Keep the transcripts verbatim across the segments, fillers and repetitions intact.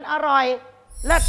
อร่อยเลิศ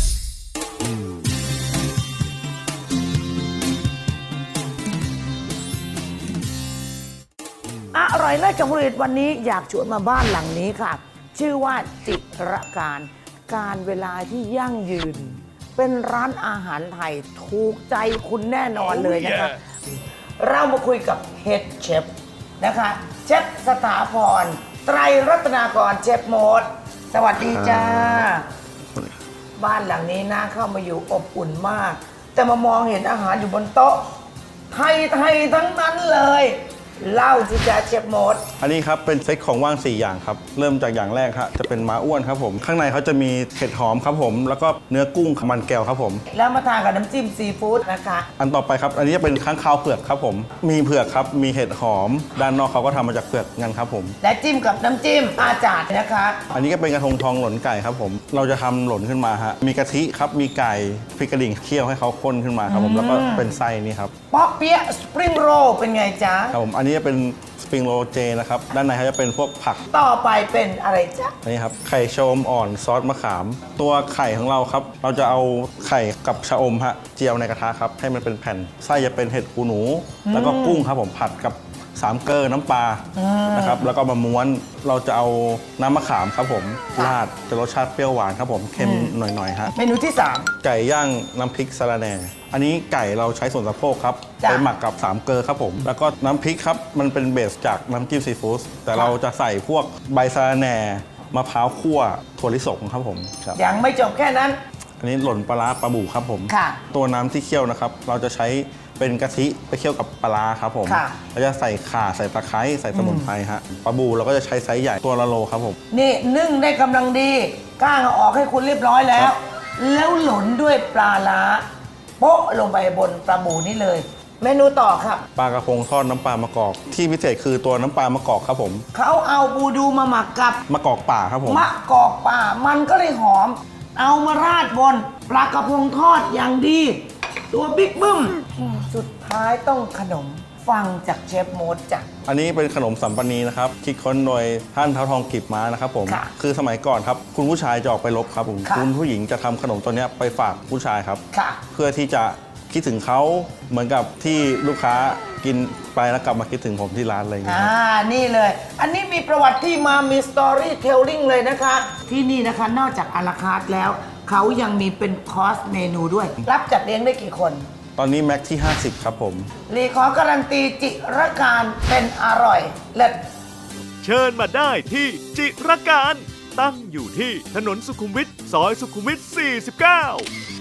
อร่อยเลิศกับผลิตวันนี้อยากชวนมาบ้านหลังนี้ค่ะชื่อว่าจิรการการเวลาที่ยั่งยืนเป็นร้านอาหารไทยถูกใจคุณแน่นอนเลยนะคะ oh, yeah. เรามาคุยกับเฮดเชฟนะคะเชฟสถาพรไตรรัตนากรเชฟโมดสวัสดีจ้าบ้านหลังนี้น่าเข้ามาอยู่อบอุ่นมากแต่มามองเห็นอาหารอยู่บนโต๊ะไทยไทยทั้งนั้นเลยเล่าสิจ้าเชฟโมดอันนี้ครับเป็นเซตของว่างสี่อย่างครับเริ่มจากอย่างแรกครับจะเป็นม้าอ้วนครับผมข้างในเขาจะมีเห็ดหอมครับผมแล้วก็เนื้อกุ้งมันแก้วครับผมแล้วมาทานกับน้ำจิ้มซีฟู้ดนะคะอันต่อไปครับอันนี้จะเป็นข้างคาวเผือกครับผมมีเผือกครับมีเห็ดหอมด้านนอกเขาก็ทำมาจากเผือกงั้นครับผมและจิ้มกับน้ำจิ้มอาจารย์นะคะอันนี้ก็เป็นกระทงทองหล่นไก่ครับผมเราจะทำหล่นขึ้นมาฮะมีกะทิครับมีไก่พริกกระดิ่งเคี่ยวให้เขาข้นขึ้นมาครับผมแล้วก็เป็นไส้นี่ครับป๊อกเปี๊ยะสปริงโรลเป็นไงจ๊ะครับผมอันนี้จะเป็นสปริงโรลเจนะครับด้านในเขาจะเป็นพวกผักต่อไปเป็นอะไรจ๊ะนี่ครับไข่ชะอมอ่อนซอสมะขามตัวไข่ของเราครับเราจะเอาไข่กับชะอมฮะเจียวในกระทะครับให้มันเป็นแผ่นไส้จะเป็นเห็ดหูหนูแล้วก็กุ้งครับผมผัดกับสามเกลือน้ำปลานะครับแล้วก็มาม้วนเราจะเอาน้ำมะขามครับผมราดจะรสชาติเปรี้ยวหวานครับผมเค็มหน่อยๆฮะเมนูที่สามไก่ย่างน้ำพริกสะระแหน่อันนี้ไก่เราใช้ส่วนสะโพกครับไปหมักกับสามเกลือครับผมแล้วก็น้ำพริกครับมันเป็นเบสจากน้ำจิ้มซีฟู้ดแต่เราจะใส่พวกใบสะระแหน่มะพร้าวคั่วถั่วลิสงครับผมยังไม่จบแค่นั้นอันนี้หล่นปลาร้าปลาบู่ครับผมตัวน้ำที่เคี่ยวนะครับเราจะใช้เป็นกะทิไปเคี่ยวกับปลาครับผมเราจะใส่ข่าใส่ตะไคร้ใส่สมุนไพรฮะปลาบูเราก็จะใช้ไซส์ใหญ่ตัวละโลครับผมนี่นึ่งได้กำลังดีก้างเอาออกให้คุณเรียบร้อยแล้วแล้วหล่นด้วยปลาล้าโป๊ะลงไปบนปลาบูนี่เลยเมนูต่อครับปลากระพงทอดน้ำปลามะกอกที่พิเศษคือตัวน้ำปลามะกอกครับผมเขาเอาบูดูมาหมักกับมะกอกป่าครับผมมะกอกป่ามันก็เลยหอมเอามาราดบนปลากระพงทอดอย่างดีตัวบิ๊กบึ้มสุดท้ายต้องขนมฟังจากเชฟโมดจ้ะอันนี้เป็นขนมสัมปนีนะครับคิดค้นโดยท่านเท้าทองกีบม้านะครับผมคือสมัยก่อนครับคุณผู้ชายจะออกไปรบครับผมคุณผู้หญิงจะทำขนมตัวนี้ไปฝากผู้ชายครับเพื่อที่จะคิดถึงเขาเหมือนกับที่ลูกค้ากินไปแล้วกลับมาคิดถึงผมที่ร้านอะไรอย่างเงี้ยอ่านี่เลยอันนี้มีประวัติที่มามีสตอรี่เทลลิ่งเลยนะคะที่นี่นะคะนอกจากอาราคาร์ทแล้วเขายังมีเป็นคอร์สเมนูด้วยรับจัดเลี้ยงได้กี่คนตอนนี้แม็กที่ห้าสิบครับผมรีขอการันตีจิรการเป็นอร่อยเลิศเชิญมาได้ที่จิรการตั้งอยู่ที่ถนนสุขุมวิทซอยสุขุมวิทสี่สิบเก้า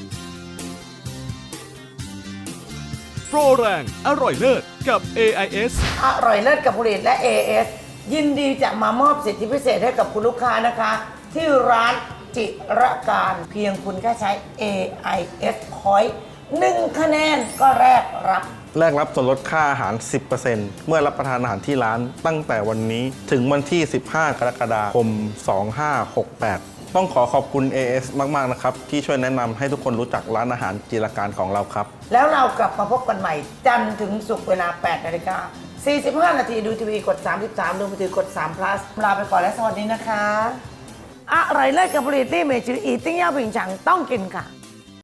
โปรแรงอร่อยเลิศกับ เอ ไอ เอสอร่อยเลิศกับผลิตและ เอ เอส ยินดีจะมามอบสิทธิพิเศษให้กับคุณลูกค้านะคะที่ร้านจิรการเพียงคุณแค่ใช้ เอ ไอ เอส Point หนึ่งคะแนนก็แลกรับแลกรับส่วนลดค่าอาหาร สิบเปอร์เซ็นต์ เมื่อรับประทานอาหารที่ร้านตั้งแต่วันนี้ถึงวันที่ สิบห้ากรกฎาคม สองพันห้าร้อยหกสิบแปด ต้องขอขอบคุณ เอ เอส มากๆนะครับที่ช่วยแนะนำให้ทุกคนรู้จักร้านอาหารจิรการของเราครับแล้วเรากลับมาพบกันใหม่จันทร์ถึงศุกร์เวลา แปดนาฬิกาสี่สิบห้า นาทีดูทีวีกดสามสิบสามดูมือถือกดสาม plus ลาไปก่อนและสวัสดีนะคะอร่อยเลิศกับผลิตที่เมจืออีติ้งย่าผิงฉังต้องกินค่ะ